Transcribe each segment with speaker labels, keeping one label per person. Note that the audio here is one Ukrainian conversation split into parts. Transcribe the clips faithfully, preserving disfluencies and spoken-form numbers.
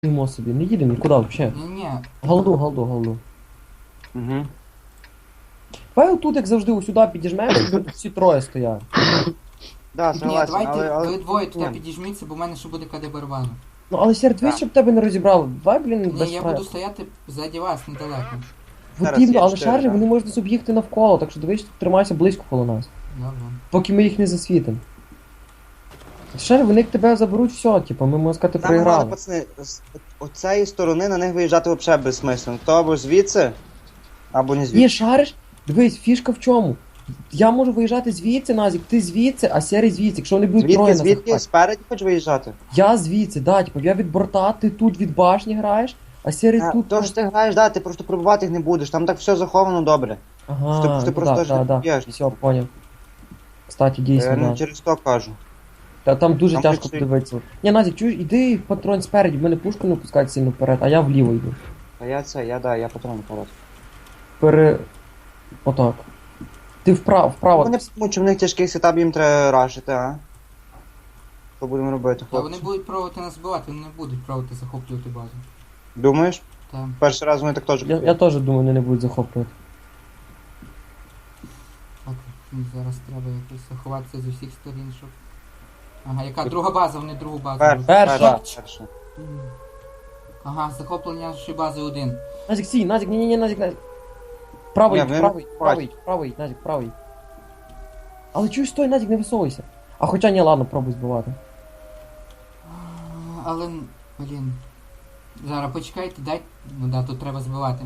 Speaker 1: Йдемо собі, не їдемо нікуди взагалі.
Speaker 2: Ні-ні.
Speaker 1: Голду, голду, голду.
Speaker 3: Угу.
Speaker 1: Давай отут, як завжди, усюди підіжмемо, і тут всі троє стоять.
Speaker 3: Да,
Speaker 2: Ні,
Speaker 3: согласен,
Speaker 2: давайте
Speaker 3: але, але...
Speaker 2: ви двоє туди
Speaker 3: Ні.
Speaker 2: підіжміться, бо в мене ще буде КД барабану.
Speaker 1: Ну, але серед
Speaker 3: Так.
Speaker 1: щоб тебе не розібрали. Давай, блін, без
Speaker 2: Ні, я
Speaker 1: фраю.
Speaker 2: буду стояти ззаді вас, недалеко.
Speaker 1: Потрібно,
Speaker 3: Зараз є
Speaker 1: але
Speaker 3: чотири,
Speaker 1: шаржі,
Speaker 3: да.
Speaker 1: вони можуть об'їхати навколо, так що дивись, тримайся близько коло нас.
Speaker 2: Добре.
Speaker 1: Поки ми їх не засвітимо. Шаржі, вони як тебе заберуть, все, типу, ми, можна сказати,
Speaker 3: Нам головне,
Speaker 1: проіграли.
Speaker 3: пацани, з оцеї сторони на них виїжджати взагалі безсмислено. То або звідси, або не
Speaker 1: Ні,
Speaker 3: звідси.
Speaker 1: шариш, дивись, фішка в чому? Я можу виїжджати звідси, Назік, ти звідси, а Серий звідси, якщо вони будуть троє
Speaker 3: Звідки,
Speaker 1: на
Speaker 3: звідки,
Speaker 1: захваті.
Speaker 3: спереді хочеш виїжджати?
Speaker 1: Я звідси, да, типу, я від борта, ти тут від башні граєш, а Серий
Speaker 3: А,
Speaker 1: тут.
Speaker 3: то ж ти граєш, да, ти просто пробувати їх не будеш, там так все заховано добре.
Speaker 1: Ага,
Speaker 3: Ти- ти
Speaker 1: ну
Speaker 3: просто
Speaker 1: да,
Speaker 3: ж
Speaker 1: да,
Speaker 3: не
Speaker 1: да.
Speaker 3: п'єш.
Speaker 1: Все, поняв. Кстати,
Speaker 3: Я
Speaker 1: дійсно,
Speaker 3: не
Speaker 1: да.
Speaker 3: через то кажу.
Speaker 1: Та там дуже
Speaker 3: Там
Speaker 1: тяжко
Speaker 3: хоч і-
Speaker 1: подивитися. Ні, Назік, чуєш, іди патрон спереді, в мене пушку не пускають сильно вперед, а я вліво йду.
Speaker 3: А я це, я да, я патрон порад.
Speaker 1: Пере... Отак. Ти вправо, вправо.
Speaker 3: Вони поймуть, що в них тяжкий сетап, їм треба рашити, а? Що будемо робити,
Speaker 2: Та вони
Speaker 3: хлопці?
Speaker 2: будуть пробувати нас збивати, вони не будуть пробувати захоплювати базу.
Speaker 3: Думаєш?
Speaker 2: Та.
Speaker 3: Перший раз вони так теж
Speaker 1: Я, я теж думаю, вони не будуть захоплювати.
Speaker 2: Так, мені зараз треба якось заховатися з усіх сторін, щоб... Ага, яка друга база, вони другу базу.
Speaker 3: Перший,
Speaker 2: роблять.
Speaker 1: Перша.
Speaker 3: перший, перший.
Speaker 2: М. Ага, захоплення нашої бази один.
Speaker 1: Назік, сій, Назік, ні-ні-ні, Назік, Назік. Правий,
Speaker 3: Ні, вони
Speaker 1: правий,
Speaker 3: не
Speaker 1: правий, правий, Назік, правий. Але чуєш, стой, Назік, не висовуйся. А хоча ні, ладно, пробуй збивати.
Speaker 2: А, Але, блін. Зараз почекайте, дай. Ну да, тут треба збивати.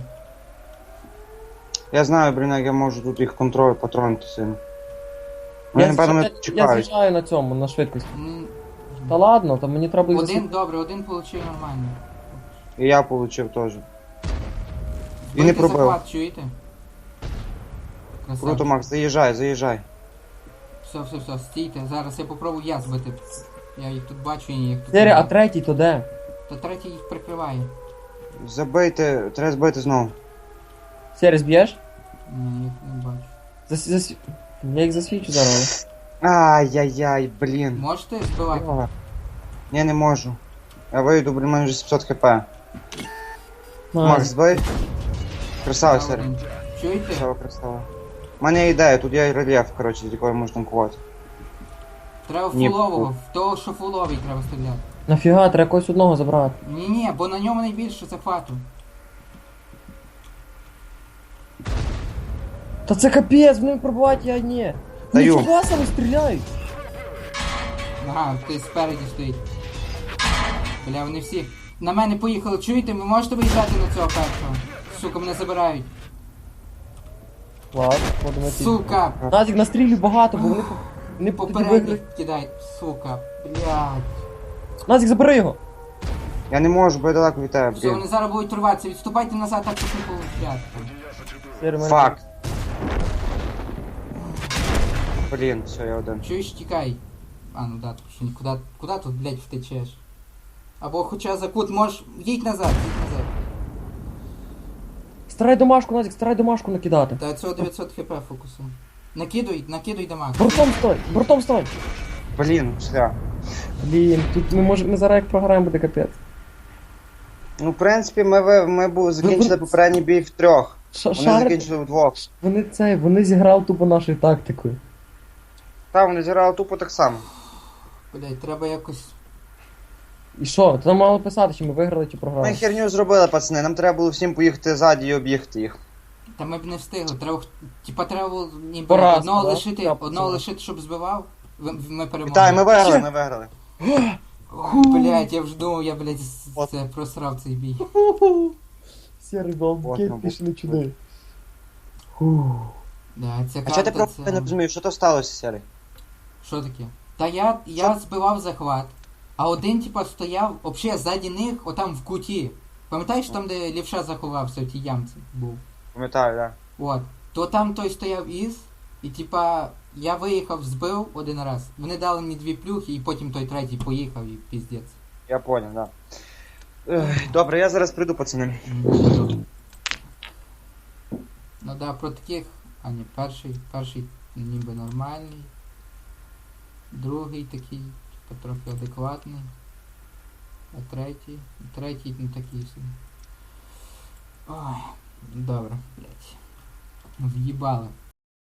Speaker 3: Я знаю, блін, як я можу тут їх контроль патронити сильно. Вони,
Speaker 1: Я,
Speaker 3: напевно,
Speaker 1: я,
Speaker 3: мене
Speaker 1: я
Speaker 3: чекають.
Speaker 1: з'їжджаю на цьому, на швидкості.
Speaker 2: М,
Speaker 1: Та ладно, то мені треба їх
Speaker 2: Один,
Speaker 1: засвітити.
Speaker 2: добре, один получив нормально.
Speaker 3: І я получив теж. І не
Speaker 2: Збийте
Speaker 3: пробив.
Speaker 2: захват, чуєте? Красавчик.
Speaker 3: Круто, Макс, заїжджай, заїжджай.
Speaker 2: Все, все, все, стійте. Зараз я попробую я збити. Я їх тут бачу і їх тут.
Speaker 1: Серія, а
Speaker 2: немає.
Speaker 1: третій то де?
Speaker 2: Та третій їх прикриває.
Speaker 3: Забийте, треба збити знову.
Speaker 1: Серія, зб'єш?
Speaker 2: Ні, їх не бачу.
Speaker 1: Зас, зас... Я їх засвічу зараз.
Speaker 3: Ай-яй-яй, блін.
Speaker 2: Можете збивати?
Speaker 3: Йога. Ні, не можу. Я вийду, блін, у мене вже сімсот хп.
Speaker 1: але.
Speaker 3: Макс, збий. Красава,
Speaker 2: Ще
Speaker 3: Сері.
Speaker 2: один. Чуєте?
Speaker 3: Красава, красава. У мене є ідея, тут є рельєф, коротше, з якого можна танкувати.
Speaker 2: Треба
Speaker 3: Ні.
Speaker 2: фулового, в того, що фуловий треба стріляти.
Speaker 1: Нафіга, треба когось одного забрати.
Speaker 2: Ні, ні, бо на ньому найбільше захвату.
Speaker 1: Та це капець, вони пробувати, я ні. Вони
Speaker 3: Даю.
Speaker 1: фугасами стріляють.
Speaker 2: Ага, ти спереді стоїть. Бля, вони всі. На мене поїхали, чуєте? Ви можете виїжджати на цього першого? Сука, мене забирають.
Speaker 1: Ладно, будемо ті.
Speaker 2: Сука!
Speaker 1: Назік, настрілюй багато, бо вони, по- вони тоді виграють.
Speaker 2: Попередніх кидай, сука, блядь.
Speaker 1: Назік, забери його.
Speaker 3: Я не можу, бо я далеко від тебе,
Speaker 2: Все,
Speaker 3: блін.
Speaker 2: вони зараз будуть рватися. Відступайте назад, так щоб не получати.
Speaker 1: Сері, мене-
Speaker 3: Фак. Блін, все, я один.
Speaker 2: Чуєш, тікай. А, ну да, тут що нікуди. Куди тут, блядь, втечеш? Або хоча за кут можеш. Їдь назад, їдь назад.
Speaker 1: Старай домашку, Назік, старай домашку накидати.
Speaker 2: Та цього дев'ятсот хп фокусу. Накидуй, накидуй дамаг.
Speaker 1: Бортом стой, бортом стой.
Speaker 3: Блін, шлях.
Speaker 1: Блін, тут ми може, ми зараз як програємо, буде капець.
Speaker 3: Ну, в принципі, ми, ви- ми бу- закінчили попередній бій в трьох.
Speaker 1: Ша-
Speaker 3: Вони
Speaker 1: Шарик,
Speaker 3: закінчили вдвох.
Speaker 1: вони цей, вони зіграли тупо нашою тактикою.
Speaker 3: Та, вони зіграли тупо так само.
Speaker 2: Блядь, треба якось.
Speaker 1: І що? Там мало писати, чи ми виграли, чи
Speaker 3: Ми
Speaker 1: програли.
Speaker 3: херню зробили, пацани. Нам треба було всім поїхати ззаді і об'їхати їх.
Speaker 2: Та ми б не встигли. Треба. х- Типа треба було ніби
Speaker 1: По-разному,
Speaker 2: одного
Speaker 1: да?
Speaker 2: лишити,
Speaker 1: Я
Speaker 2: одного
Speaker 1: поцілую.
Speaker 2: лишити, щоб збивав. Ви- Ми перемогли.
Speaker 3: Вітаю, ми виграли, ми виграли.
Speaker 2: Блядь, я вже думав, я, блядь, з-
Speaker 3: От.
Speaker 2: це просрав цей бій.
Speaker 1: Сірий
Speaker 3: От,
Speaker 1: балбукет
Speaker 3: ну,
Speaker 1: пішли
Speaker 3: був.
Speaker 1: чуди. Фу.
Speaker 2: Да, ця
Speaker 3: А чого ти
Speaker 2: карта,
Speaker 3: просто
Speaker 2: це...
Speaker 3: не розумієш, що то сталося, Сері?
Speaker 2: Що таке? Та я, я збивав захват, а один, типа, стояв, взагалі, ззаді них, отам в куті. Пам'ятаєш там, де лівша заховався, в тій ямці був?
Speaker 3: Пам'ятаю, так.
Speaker 2: От. То там той стояв із, і типа, я виїхав, збив один раз. Вони дали мені дві плюхи, і потім той третій поїхав і піздець.
Speaker 3: Я понял, да. Ех, Добре, я зараз прийду, пацани.
Speaker 2: Ну да, про таких. А ні, перший, перший ніби нормальний. Другий такий, типа трохи адекватний. А третій? Третій ну такий собі. Ой, добре, блядь. В'їбали.